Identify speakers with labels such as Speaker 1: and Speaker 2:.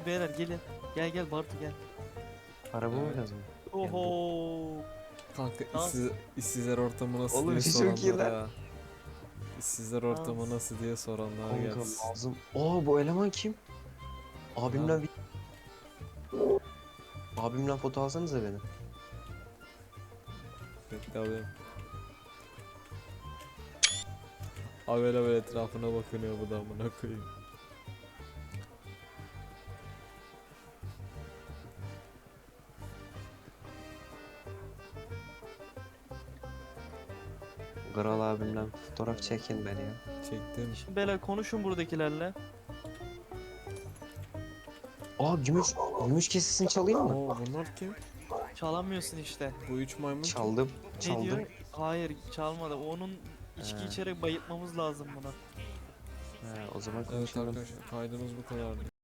Speaker 1: Hadi beyler gelin. Gel gel Bartu gel.
Speaker 2: Araba mı
Speaker 3: Evet.
Speaker 2: lazım?
Speaker 1: Oho.
Speaker 3: Kanka
Speaker 1: Tamam.
Speaker 3: işsizler ortamı nasıl
Speaker 2: Oğlum
Speaker 3: diye
Speaker 2: işi çok iyi
Speaker 3: soranlar
Speaker 2: lan.
Speaker 3: ha. İşsizler
Speaker 1: Tamam.
Speaker 3: ortamı nasıl diye soranlar
Speaker 2: Kanka
Speaker 3: gelsin.
Speaker 2: lazım. Bu eleman kim?
Speaker 3: Ha,
Speaker 2: Abimle abimle foto alsanıza beni.
Speaker 3: bekle alayım. Abi böyle etrafına bakınıyor bu da amına koyayım.
Speaker 2: Kral abimle fotoğraf çekin beni ya.
Speaker 3: Çektim.
Speaker 1: Şimdi beyler konuşun buradakilerle.
Speaker 2: Gümüş kesesini çalayım mı?
Speaker 3: Oo bunlar kim?
Speaker 1: Çalamıyorsun işte.
Speaker 3: Bu üç maymun kim?
Speaker 2: Çaldım.
Speaker 1: Ne
Speaker 2: Çaldım.
Speaker 1: diyor? Hayır çalmadı. Onun içki
Speaker 3: He.
Speaker 1: içerek bayıltmamız lazım buna.
Speaker 2: He, o zaman
Speaker 3: Evet
Speaker 2: konuşalım.
Speaker 3: arkadaşlar kaydımız bu kadardı.